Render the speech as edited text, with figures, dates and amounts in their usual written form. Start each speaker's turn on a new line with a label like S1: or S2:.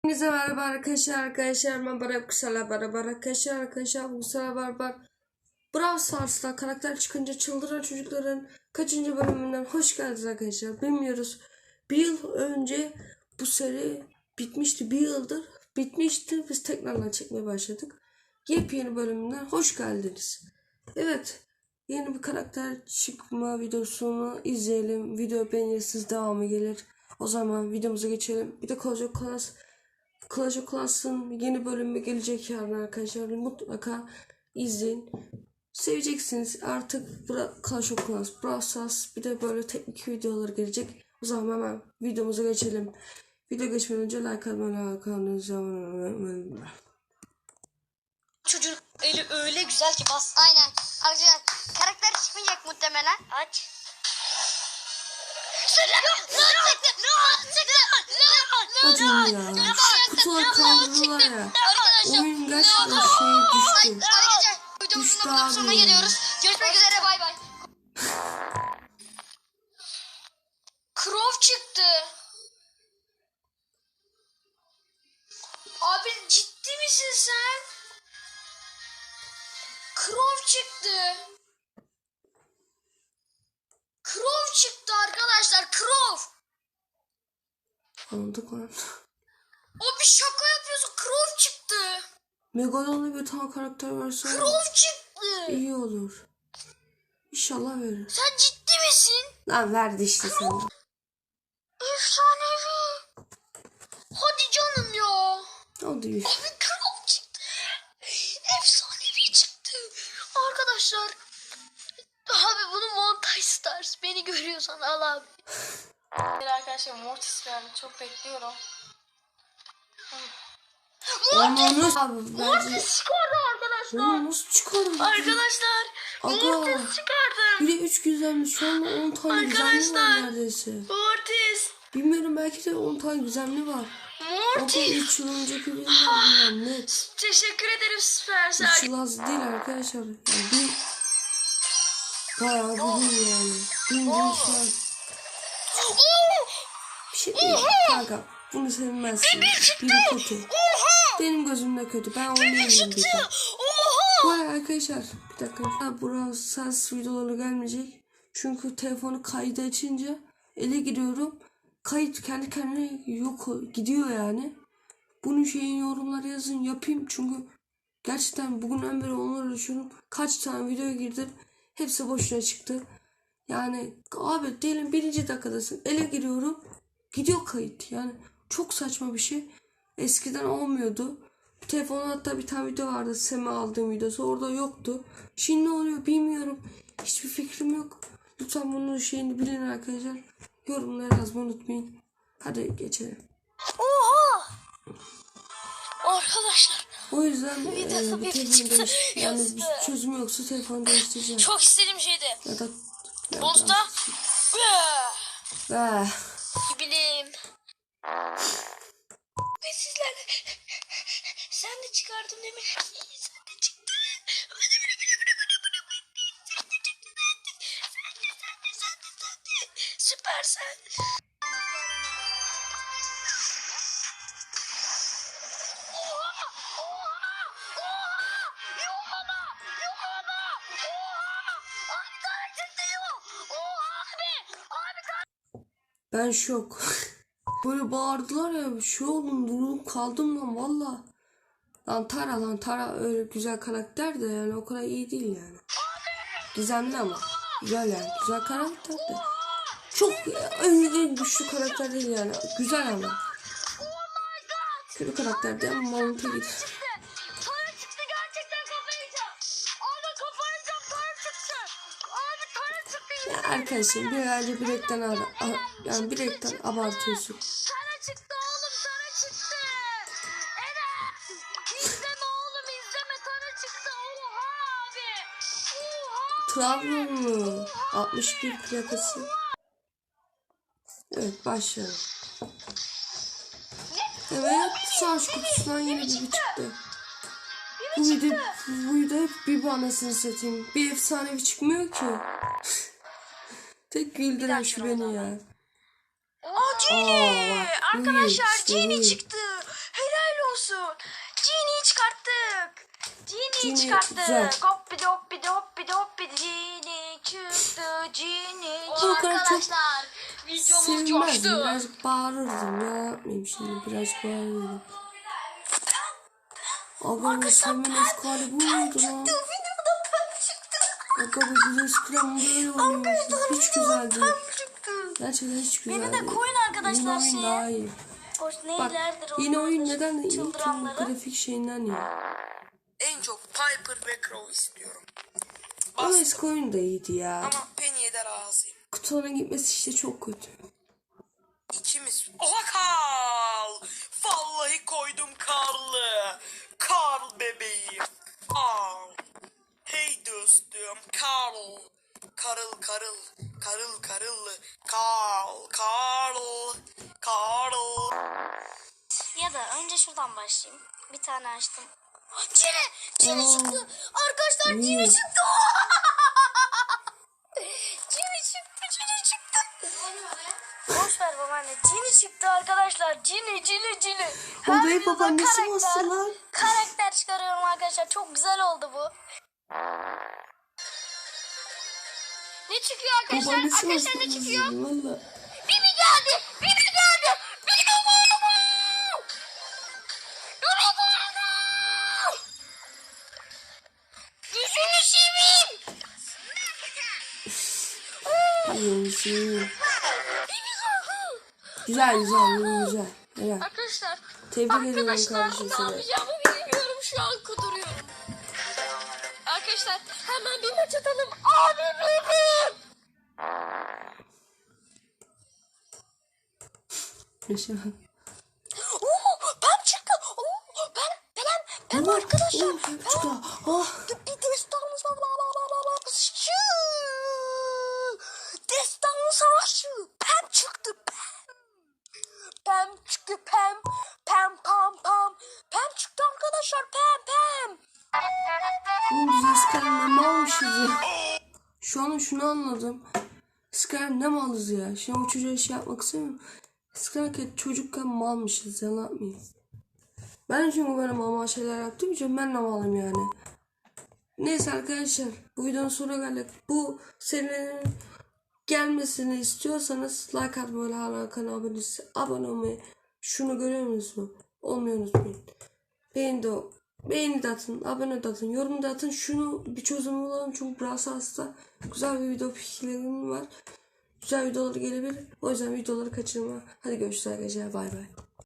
S1: Herkese merhaba arkadaşlar ben Barab Kısala merhaba arkadaşlar bu sefer Brawl Stars'ta karakter çıkınca çıldıran çocukların kaçıncı bölümünden hoş geldiniz arkadaşlar. Bilmiyoruz, bir yıl önce bu seri bitmişti, bir yıldır bitmişti, biz tekrardan çekmeye başladık. Yepyeni bölümünden hoş geldiniz. Evet, yeni bir karakter çıkma videosunu izleyelim. Video beğenirsiniz, devamı gelir. O zaman videomuza geçelim. Bir de Clash of Clans'ın yeni bölümü gelecek yarın arkadaşlar. Mutlaka izleyin. Seveceksiniz. Artık Clash of Clans, Brawl Stars, bir de böyle teknik videolar gelecek. O zaman hemen videomuza geçelim. Video geçmeden önce like atmayı.
S2: Çocuğun eli öyle güzel ki bas. Aynen. Arkadaşlar karakter çıkmayacak muhtemelen. Aç.
S1: Hocam ya, kutular kaldırdılar ya. Oyun gerçekten düştü.
S2: Arkadaşlar videomuzun burada sonuna geliyoruz. Görüşmek üzere, bay bay. Crow çıktı. Abi ciddi misin sen? Crow çıktı. Crow çıktı arkadaşlar, Crow.
S1: Anladık lan.
S2: O bir şaka yapıyorsun, Crow çıktı.
S1: Megalon'la bir tane karakter verse
S2: Crow çıktı.
S1: iyi olur. İnşallah verir.
S2: Sen ciddi misin?
S1: Lan verdi işte sana.
S2: Efsanevi. Hadi canım ya.
S1: Hadi.
S2: Abi Crow çıktı. Efsanevi çıktı. Arkadaşlar. Abi bunu Montaj Stars. Beni görüyorsan al abi.
S3: Arkadaşlar Mortis geldi. Çok bekliyorum.
S1: Mortis abi.
S2: Mortis çıkardı arkadaşlar.
S1: Nasıl çıkardı?
S2: Arkadaşlar. Mortis çıkardı.
S1: Bir de 3 güzelmiş. Şu anda 10 tane güzelliği var neredeyse.
S2: Mortis.
S1: Bilmiyorum, belki de 10 tane güzelliği var.
S2: Mortis.
S1: 3 yıl önceki videolarından net.
S2: Teşekkür ederim
S1: 3
S2: Süpersel.
S1: yıl az değil arkadaşlar. Yani bir bayağı bir gün yani. Gün şu an. Bir şey değil kanka. Bunu sevmezsin. Biri kötü. Benim gözümde kötü. Ben oynayamıyorum bir de. Bu arada arkadaşlar bir dakika. Brawl Stars videoları gelmeyecek. Çünkü telefonu kaydı açınca ele giriyorum. Kayıt kendi kendine yok gidiyor yani. Bunun şeyin yorumlara yazın, yapayım. Çünkü gerçekten bugünden beri onları düşünüyorum. Kaç tane video girdim. Hepsi boşuna çıktı. Yani abi diyelim 1. dakikadasın. Ele giriyorum. Gidiyor kayıt. Yani çok saçma bir şey. Eskiden olmuyordu. Telefonda hatta bir tane video vardı. Seme aldığım videosu. Orada yoktu. Şimdi ne oluyor bilmiyorum. Hiçbir fikrim yok. Lütfen bunun şeyini bilin arkadaşlar. Yorumlara yazmayı unutmayın. Hadi geçelim.
S2: Oha! Arkadaşlar.
S1: O yüzden
S2: Bir
S1: bir
S2: çıktı.
S1: telefon değiş. Yani bir çözüm yoksa telefonu değiştireceğim.
S2: Çok istediğim şeydi.
S1: Ya da
S2: Bonus'ta.
S1: Ah.
S2: Bileyim. Ve sizlerle. Sen de çıkardın değil mi? Sen de çıktın. Sen de. Süpersen.
S1: Ben şok. Böyle bağırdılar ya, şey oldum, durup kaldım lan valla. Lan Tara öyle güzel karakter de yani o kadar iyi değil yani. Gizemli ama. Güzel yani. Güzel karakter de. Çok en güçlü karakter değil yani. Güzel ama. Kötü karakter de ama mantığa gider.
S2: Tara çıktı, gerçekten kafayı yiyeceğim. Abi kafayı yiyeceğim, Tara çıktı. Abi Tara çıktı.
S1: Ya arkadaşım birazcık yani bilekten abartıyorsun.
S2: Tara çıktı oğlum, Tara çıktı. Enes. İzleme oğlum, izleme, Tara çıktı. Oha abi. Oha.
S1: Trabzonlu 61 plakası. Evet, başlayalım. Evet, savaş kutusundan yeni bir çıktı. Bu video hep bir anasını satayım. Bir efsanevi çıkmıyor ki. Tek güldüren şu beni ya.
S2: Aa, Genie.
S1: Aa, bak,
S2: Arkadaşlar
S1: işte
S2: Genie
S1: bu.
S2: çıktı. Genie
S1: Genie
S2: çıkarttı.
S1: güzel.
S2: Hoppidi hoppidi hoppidi hoppidi. Genie çıktı. Genie
S1: O kadar çok
S2: arkadaşlar.
S3: Videomuz
S1: sevinmezdim.
S3: coştu.
S1: Birazcık bağırırdım. Ya yapmayayım şimdi. Birazcık bağırırdım. Aga bu sevmeniz kali bu muydu lan?
S2: Videoda pem çıktı.
S1: Aga bu bizim skram böyle oynuyorsunuz. Hiç güzel değil.
S2: Çıktı.
S1: Gerçekten hiç güzel
S2: Beni
S1: değil.
S2: de koyun arkadaşlar
S1: Yeni oyun
S2: şeye.
S1: daha iyi.
S2: Hoş
S1: Bak
S2: neylerdir
S1: yeni oyun
S2: onlardır,
S1: neden de iyi? Tüm
S2: çıldıranları.
S1: grafik şeyinden ya.
S4: En çok Piper ve Crow istiyorum.
S1: Ama
S4: Bastım
S1: eski oyun da iyiydi ya.
S4: ama Penny'e de razıyım.
S1: Kutulara gitmesi işte çok kötü.
S4: İkimiz... Oha Karl! Vallahi koydum Karl'ı. Karl bebeğim. Karl. Hey dostum Karl. Karıl karıl. Karıl karıl. Karl. Karl. Karl.
S2: Ya da önce şuradan başlayayım. Bir tane açtım. Cini çıktı. Arkadaşlar Cini çıktı. Cini çıktı. Cini çıktı. Boş ver babaanne. Cini çıktı arkadaşlar. Cini.
S1: Odayı
S2: videoda
S1: babaannesi
S2: karakter-
S1: bastı lan.
S2: Karakter çıkarıyorum arkadaşlar. Çok güzel oldu bu. Ne çıkıyor arkadaşlar?
S1: Babaannesi
S2: Arkadaşlar
S1: bastı.
S2: ne çıkıyor?
S1: Valla.
S2: Bibi geldi. Bibi geldi. Bibi Yüzünü seveyim.
S1: Güzel. Güzel. Helal.
S3: Arkadaşlar
S1: Tebrik ediyorum kardeşim
S3: ne
S1: seni.
S3: yapacağımı bilmiyorum, şu an kuduruyorum. Arkadaşlar hemen bir maç atalım. Abi benim.
S1: Yaşa.
S2: Ben çıktı. Ben arkadaşlar.
S1: Çıktı. Ah.
S2: Bir destanlı savaşçı. Pem çıktı. Pem çıktı. Pem pam. Pem çıktı arkadaşlar. Pem.
S1: Oğlum biz eskiden ne almışız ya? Şu an şunu anladım. Eskiden ne malız ya? Şimdi o çocuğa şey yapmak istemiyorum. Eskiden çocukken malmışız, yalan atmayayım. Ben çünkü böyle mal şeyler yaptığım için ben de malım yani. Neyse arkadaşlar, bu videonun sonuna geldik. Bu serinin gelmesini istiyorsanız like atmayı, hala kanala abone olmayı, şunu görüyor musunuz? Olmayı unutmayın. Beğeni de atın, abone de atın, yorum da atın. Şunu bir çözüm bulalım çünkü biraz hasta. Güzel bir video fikirlerim var. Güzel videolar gelebilir. O yüzden videoları kaçırma. Hadi görüşürüz arkadaşlar. Bay bay.